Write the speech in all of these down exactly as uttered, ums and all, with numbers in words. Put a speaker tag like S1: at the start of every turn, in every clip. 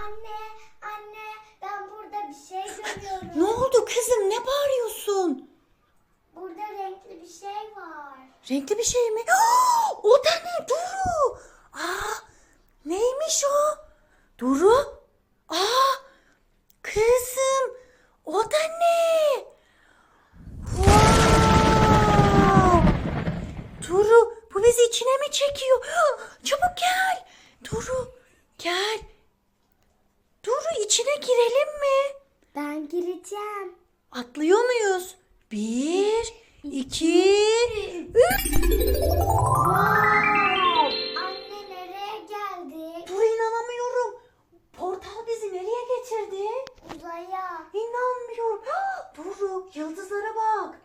S1: Anne, anne ben burada bir şey görüyorum.
S2: Ne oldu kızım? Ne bağırıyorsun?
S1: Burada renkli bir şey var.
S2: Renkli bir şey mi? Aa, o da ne Duru? Aa, neymiş o? Duru? Aa, kızım o da ne? Wow! Duru bu bizi içine mi çekiyor? Çabuk gel. Duru gel. Duru içine girelim mi?
S1: Ben gireceğim.
S2: Atlıyor muyuz? Bir, iki, üç. Wow!
S1: Anne nereye geldik?
S2: Dur inanamıyorum. Portal bizi nereye getirdi?
S1: Uzaya.
S2: İnanmıyorum. Ah, Duru yıldızlara bak.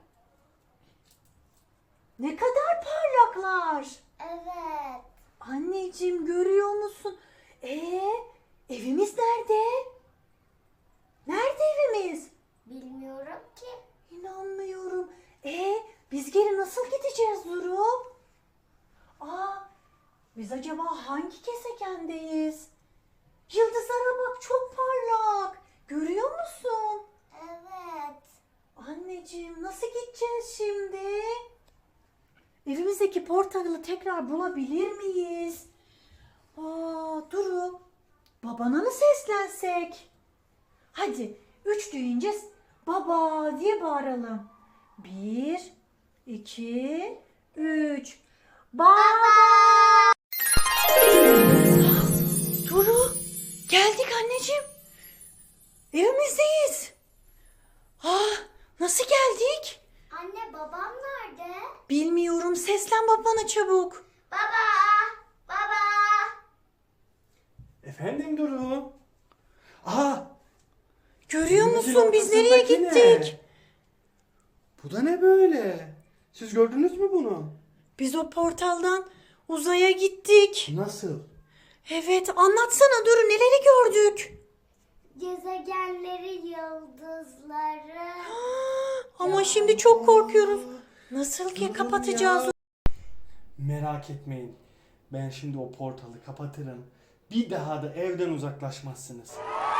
S2: Ne kadar parlaklar.
S1: Evet.
S2: Anneciğim görüyor musun? Ee, evimiz nerede? Nerede evimiz?
S1: Bilmiyorum ki.
S2: İnanmıyorum. Ee, biz geri nasıl gideceğiz Duru? Aa, biz acaba hangi gezegendeyiz? Yıldızlara bak çok parlak. Görüyor musun?
S1: Evet.
S2: Anneciğim nasıl gideceğiz şimdi? Evimizdeki portalı tekrar bulabilir miyiz? Aa, Duru, babana mı seslensek? Hadi üç deyince baba diye bağıralım. Bir, iki, üç. Baba! Duru, geldik anneciğim. Evimizdeyiz. Ah, nasıl geldik?
S1: Anne babam nerede?
S2: Bilmiyorum. Seslen babana çabuk.
S1: Baba! Baba!
S3: Efendim Duru? Aa!
S2: Görüyor
S3: denizin
S2: musun biz nereye
S3: ortasındaki ne?
S2: gittik?
S3: Bu da ne böyle? Siz gördünüz mü bunu?
S2: Biz o portaldan uzaya gittik.
S3: Nasıl?
S2: Evet, anlatsana Duru neleri gördük?
S1: Gezegenleri, yıldızları.
S2: Ama şimdi çok korkuyoruz. Nasıl ki
S3: Durun
S2: kapatacağız?
S3: ya. Merak etmeyin. Ben şimdi o portalı kapatırım. Bir daha da evden uzaklaşmazsınız.